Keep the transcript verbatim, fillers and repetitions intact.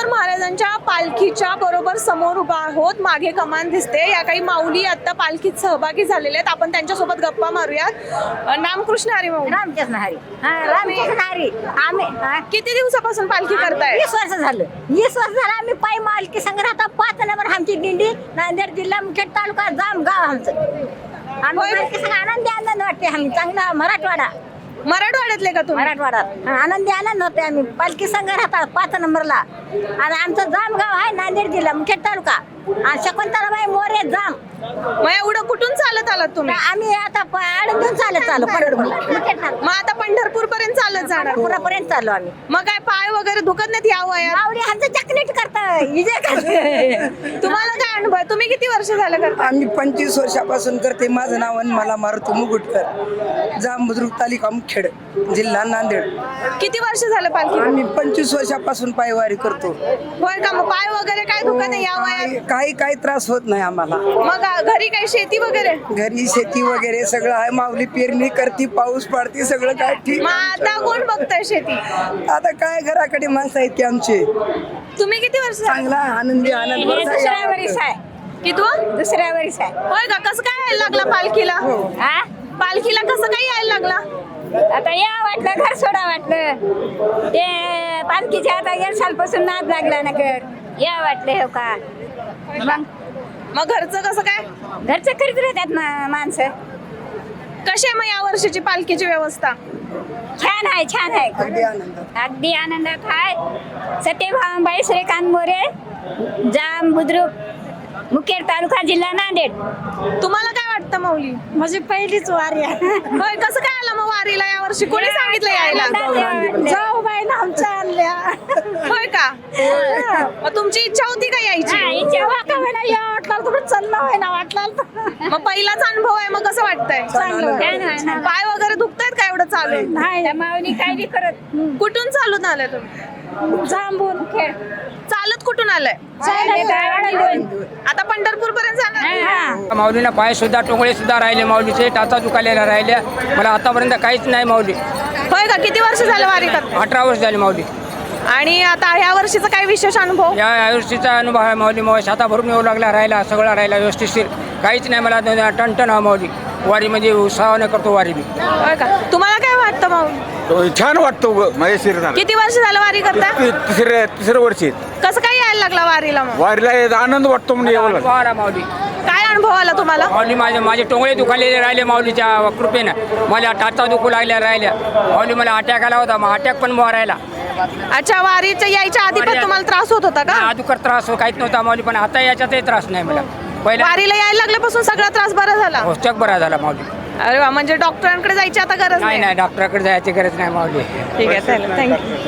ज्ञानेश्वर महाराजांच्या पालखीच्या बरोबर समोर उभा आहोत. मागे कमान दिसते. या काही माऊली आता पालखीत सहभागी झालेले आहेत. आपण त्यांच्यासोबत गप्पा मारूयात. अ, नामकृष्ण हरी माऊली. रामकृष्ण हरी. हा, रामकृष्ण हरी. आम्ही हा, किती दिवसापासून पालखी करताय? वीस वर्ष झालं वीस वर्ष झालं आम्ही पायी मालकी संग्रहात पाच नंबर आमची दिंडी नांदेड जिल्हा मुखेड तालुका जाम गाव आमचं. आम्ही होय. मालकी संघ आनंदी आनंद वाटते. आम्ही चांगला मराठवाडा मराठवाड्यातले का तुम्ही? मराठवाड्यात आनंदी आनंद होते. आम्ही पालखी संघ राहतात पाच नंबरला आणि आमचं जाम गाव आहे नांदेड जिल्हा मुखेड तालुका आणि शकुंतलाबाई मोरे जाम. मग एवढं कुठून चालत आलात तुम्ही? आम्ही आता आडून चालत चालू पंढरपूरला मग आता पंढरपूर पर्यंत चालत जाणार? पुरापर्यंत चालू आम्ही. मग काय पाय वगैरे दुखत नाहीत या वयात? माऊली आमचं चकलेट करता विजय करता. तुम्हाला काय अनुभव आहे? तुम्ही किती वर्ष झालं करता? आम्ही पंचवीस वर्षापासून करते. माझं नाव आणि मला मारुती मुकुटकर, जाम बुद्रुक तालुका मुखेड जिल्हा नांदेड. किती वर्ष झालं पालखी? आम्ही पंचवीस वर्षापासून पायवारी करतो. होय का? मग पाय वगैरे काय दुखत नाही या वयात? काही काही काही त्रास होत नाही आम्हाला. मग घरी काही शेती वगैरे? घरी शेती वगैरे सगळं आहे. माऊली पेरणी करते, पाऊस पडते, सगळं काय ठीक. मग आता कोण बघताय शेती? आता काय घराकडे माणसं आहेत की आमचे. तुम्ही किती वर्ष झालं? चांगला आनंदी आनंद दुसऱ्या वरीस आहे की तू? दुसऱ्या वरीस आहे. होय का? कसं काय यायला लागला पालखीला? हा? पालखीला कसं काय यायला लागला? आता या वाटलं घर सोडा वाटलं ते पालखीच्या आता एक सालपासून नाद लागला ना घर या वाटलं हो का. मग मग घरचं कसं काय? घरचं करीत राहतात मा- माणसं. कशी आहे मग या वर्षीची पालखीची व्यवस्था? छान आहे छान आहे अगदी आनंद. अगदी आनंदात आहे. सत्यभामाबाई श्रीकांत मोरे जाम बुद्रुक मुखेड तालुका जिल्हा नांदेड. तुम्हाला काय वाटतं माऊली? माझी पहिलीच वारी आहे. होय, कसं काय आला मग वारीला या वर्षी? कोणी सांगितलं यायला? जाऊ बाई ना आमच्या आणल्या. होय का? मग तुमची इच्छा होती का यायची? चाललं आहे ना वाटलं मग पहिलाच अनुभव आहे, मग कसं वाटतंय? पाय वगैरे दुखतायत का एवढं चालून? नाही माऊली काय बी करत कुठून चालून आलाय तुम्ही? जांभून खेळ चालत कुठून आलाय? आता पंढरपूर पर्यंत जाणार? माऊलीला पाय सुद्धा टोंगळे सुद्धा राहिले, माऊलीचे टाचा दुखालेल्या राहिल्या. मला आतापर्यंत काहीच नाही माऊली. होय का? किती वर्ष झालं वारी करता? अठरा वर्ष झाली माऊली. आणि आता ह्या वर्षीचा काही विशेष अनुभव? या वर्षीचा अनुभव आहे माऊली. मग छाता भरून येऊ लागला, राहिला सगळा राहिला व्यवस्थितशीर. काहीच नाही मला टणटण हा माऊली. वारी म्हणजे उत्साहाने करतो वारी मी. होय का? तुम्हाला काय वाटतं माऊली? छान वाटतो महेशीर. किती वर्ष झालं वारी करता? तिसऱ्या तिसऱ्या वर्षी कसं काय यायला लागला वारीला मग? वारीला यायचा आनंद वाटतो म्हणजे एवढं. अनुभव आला माऊली. काय अनुभव आला तुम्हाला? माऊली माझे माझे टोंगळे दुखालेले राहिले माऊलीच्या कृपेनं. मला टाचा दुखू लागल्या राहिल्या. माऊली मला अटॅक आला होता, मग अटॅक पण बुवा राहिला. अच्छा, वारीच्या यायच्या आधी पण तुम्हाला त्रास होत होता का? अदुकर त्रास हो काहीच नव्हता माऊली, पण आता याच्यातही त्रास नाही मला. पहिला वारीला यायला लागल्यापासून सगळा त्रास बरा झाला? औषध बरा झाला माऊली. अरे वा, म्हणजे डॉक्टरांकडे जायची आता गरज नाही नाही. नाही डॉक्टरकडे जायची गरज नाही माऊली. ठीक आहे, चालेल, थँक्यू.